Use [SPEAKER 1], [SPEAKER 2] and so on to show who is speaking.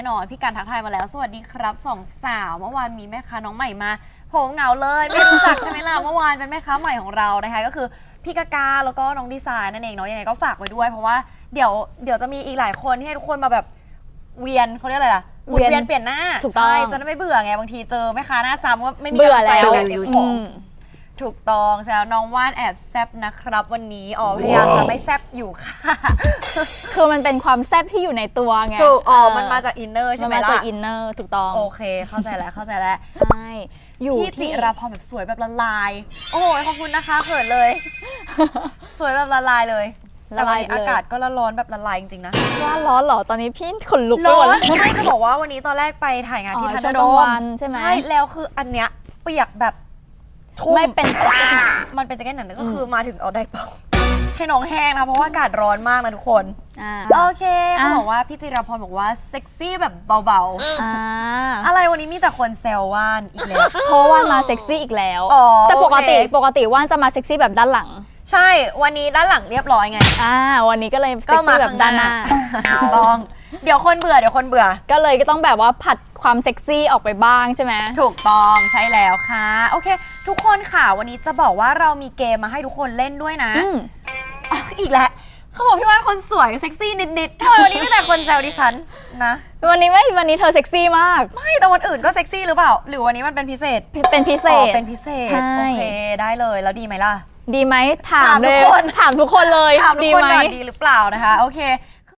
[SPEAKER 1] แน่นอนพี่การทักทายมาแล้วสวัสดีครับสองสาวเมื่อวานมีแม่ค้าน้องใหม่มาโหเหงาเลยไม่รู้จักใช่ไหมล่ะเมื่อวานเป็นแม่ค้าใหม่ของเรานะคะก็คือพี่กาแล้วก็น้องดีไซน์นั่นเองเนาะยังไงก็ฝากไว้ด้วยเพราะว่าเดี๋ยวจะมีอีกหลายคนที่ให้ทุกคนมาแบบเวียนเขาเรียกอะไรล่ะเวียนเปลี่ยนหน้า
[SPEAKER 2] ถูกต้อง
[SPEAKER 1] ใช่จะได้ไม่เบื่อไงบางทีเจอแม่ค้าหน้าซ้ำก็ไม่มี
[SPEAKER 2] เบื่อก
[SPEAKER 1] ำลังใจ
[SPEAKER 2] แล้ว
[SPEAKER 1] เก็บของถูกต้องใช่แล้วน้องว่านแอบแซบนะครับวันนี้พยายามจะไม่แซบอยู่ค่ะ
[SPEAKER 2] คือมันเป็นความแซ่บที่อยู่ในตัวไง
[SPEAKER 1] ถูกมันมาจากอินเนอร์ใช่ไหม
[SPEAKER 2] มัน
[SPEAKER 1] ล่ะ
[SPEAKER 2] มาจากอินเนอร์ถูกต้อง
[SPEAKER 1] โอเคเข้าใจแล้วเข้าใจแล้ว
[SPEAKER 2] ใช่อยู่
[SPEAKER 1] พี่จิ
[SPEAKER 2] ที่
[SPEAKER 1] ราพรแบบสวยแบบละลาย โอ้โหขอบคุณนะคะเขินเลย สวยแบบละลายเลยแต่วันนี้อากาศก็ร้อนแบบละลายจริงๆนะ
[SPEAKER 2] ว่าร้อนเหรอตอนนี้พี่ขนลุกไป
[SPEAKER 1] ร้
[SPEAKER 2] ห
[SPEAKER 1] อ
[SPEAKER 2] มด
[SPEAKER 1] น
[SPEAKER 2] แล้ว
[SPEAKER 1] ไม่จะบอกว่าวันนี้ตอนแรกไปถ่ายงานที่
[SPEAKER 2] อ๋อ
[SPEAKER 1] ทัน
[SPEAKER 2] ช่วง
[SPEAKER 1] โด
[SPEAKER 2] กลาง
[SPEAKER 1] ม
[SPEAKER 2] วันใช่ไหม
[SPEAKER 1] ใช่แล้วคืออันเนี้ยเปียกแบบทุ่ม
[SPEAKER 2] ไม่เป็นแจ็คเก็ตหนา
[SPEAKER 1] มันเป็นแจ็คเก็ตหนังก็คือมาถึงเอาได้เป่าให้น้องแห้งนะเพราะว่าอากาศร้อนมากนะทุกคน โอเคเขาบอกว่าพี่จิราพรบอกว่าเซ็กซี่แบบเบาๆอะไรวันนี้มีแต่คนแซวว่านอีกแล้ว
[SPEAKER 2] เพราะว่ามาเซ็กซี่อีกแล้ว
[SPEAKER 1] อ๋อ
[SPEAKER 2] แต่ปกติ
[SPEAKER 1] โอเค
[SPEAKER 2] ปกติว่านจะมาเซ็กซี่แบบด้านหลัง
[SPEAKER 1] ใช่วันนี้ด้านหลังเรียบร้อยไง
[SPEAKER 2] วันนี้ก็เลยเซ็กซี่แบบด้านหน้า
[SPEAKER 1] ถูกต้องเดี๋ยวคนเบื่อ
[SPEAKER 2] ก็เลยก็ต้องแบบว่าผัดความเซ็กซี่ออกไปบ้างใช่ไหม
[SPEAKER 1] ถูกต้องใช่แล้วค่ะโอเค ทุกคนค่ะวันนี้จะบอกว่าเรามีเกมมาให้ทุกคนเล่นด้วยนะ
[SPEAKER 2] อืม
[SPEAKER 1] อีกแล้วเขาบอกพี่ว่านคนสวยเซ็กซี่นิดๆทำไมวันนี้มีแต่คนแซวดิฉันนะ
[SPEAKER 2] วันนี้เธอเซ็กซี่มาก
[SPEAKER 1] ไม่แต่วันอื่นก็เซ็กซี่หรือเปล่าหรือวันนี้มันเป็นพิเศษ
[SPEAKER 2] เป็นพิเศ
[SPEAKER 1] อ๋อ
[SPEAKER 2] ษ
[SPEAKER 1] เป็นพิเศษ
[SPEAKER 2] ใช่
[SPEAKER 1] โอเคได้เลยแล้วดีไหมล่ะ
[SPEAKER 2] ดีไหมถาม
[SPEAKER 1] ถามทุ
[SPEAKER 2] เล
[SPEAKER 1] ก
[SPEAKER 2] ย
[SPEAKER 1] คน
[SPEAKER 2] ถามทุกคนเลย
[SPEAKER 1] ถามทุก
[SPEAKER 2] ดี
[SPEAKER 1] คน
[SPEAKER 2] ไหม
[SPEAKER 1] ก่อนดีหรือเปล่านะคะโอเค